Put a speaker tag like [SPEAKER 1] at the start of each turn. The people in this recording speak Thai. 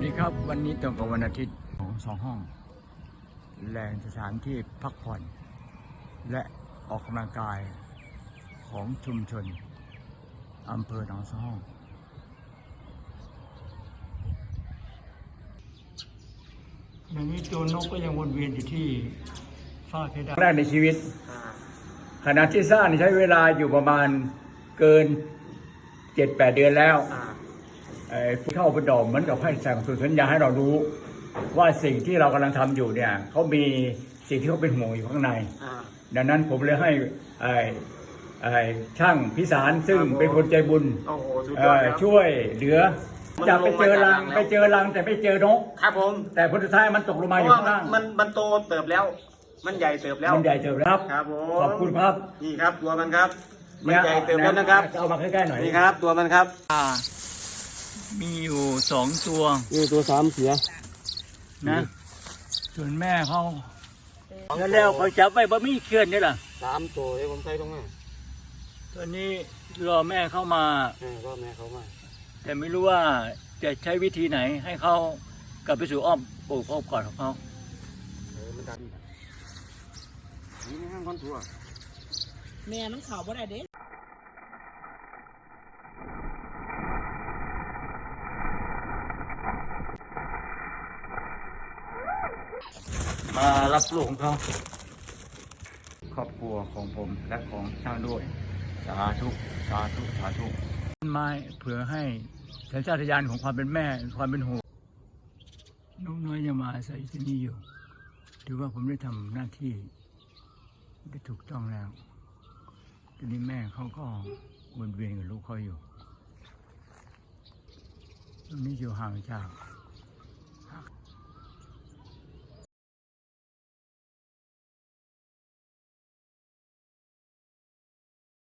[SPEAKER 1] ดีครับวันนี้ตรงกับวันอาทิตย์ของ2 ห้องแหล่งสถานที่พักผ่อนและออกกำลังกายของชุมชนอำเภอหนองสองห้องอย่างนี้ตัวนกก็ยังวนเวียนอยู่ที่ฝ้าเพดานแรกในชีวิตขณะที่สร้างใช้เวลาอยู่ประมาณเกิน 7-8 เดือนแล้วผู้เข้าประดอมเหมือนกับให้สั่งสัญญาให้เรารู้ว่าสิ่งที่เรากำลังทำอยู่เนี่ยเขามีสิ่งที่เขาเป็นห่วงอยู่ข้างในดังนั้นผมเลยให้ช่างพิสารซึ่งเป็นคนใจบุญช่วยเหลือจะไปเจอรังแต่ไม่เจอนก
[SPEAKER 2] ครับผม
[SPEAKER 1] แต่ผลสุดท้ายมันตกลงมาอยู่ข้างล่าง
[SPEAKER 2] มันโตเติบแล้วมันใหญ่เติบแล้ว
[SPEAKER 1] ครับผมขอบคุณครับ
[SPEAKER 2] นี่ครับตัวมันครับมันใหญ่เติบแล้วนะครับ
[SPEAKER 1] เอามาใกล้ๆหน่อย
[SPEAKER 2] นี่ครับตัวมันครับ
[SPEAKER 1] มีอยู่2 ตัว
[SPEAKER 2] ตัว3เสีย
[SPEAKER 1] นะส่วนแม่เขาแล้วเขาจับไปบะมี่เขื่อนนี่ล่ะ
[SPEAKER 2] 3 ตัวผมใส่ตรงนั้น
[SPEAKER 1] ตอนนี้รอแม่เข้ามาร
[SPEAKER 2] อแม่เขามา
[SPEAKER 1] แต่ไม่รู้ว่าจะใช้วิธีไหนให้เขากลับไปสู่อ้อมกอดของเขา
[SPEAKER 2] มันดันนี่ห้างคนตัว
[SPEAKER 3] แม่มันเข่าบ่ได้เด้
[SPEAKER 1] มารับลูกของเขาครอบครัวของผมและของช่างด้วยสาธุต้นไม้เผื่อให้สัญชาตญาณของความเป็นแม่ความเป็นห่วงน้องน้อยยังมาอาศัยที่นี่อยู่ถือว่าผมได้ทำหน้าที่ได้ถูกต้องแล้วทีนี้แม่เขาก็วนเวียนกับลูกเขาอยู่ตรงนี้อยู่ห่างจาก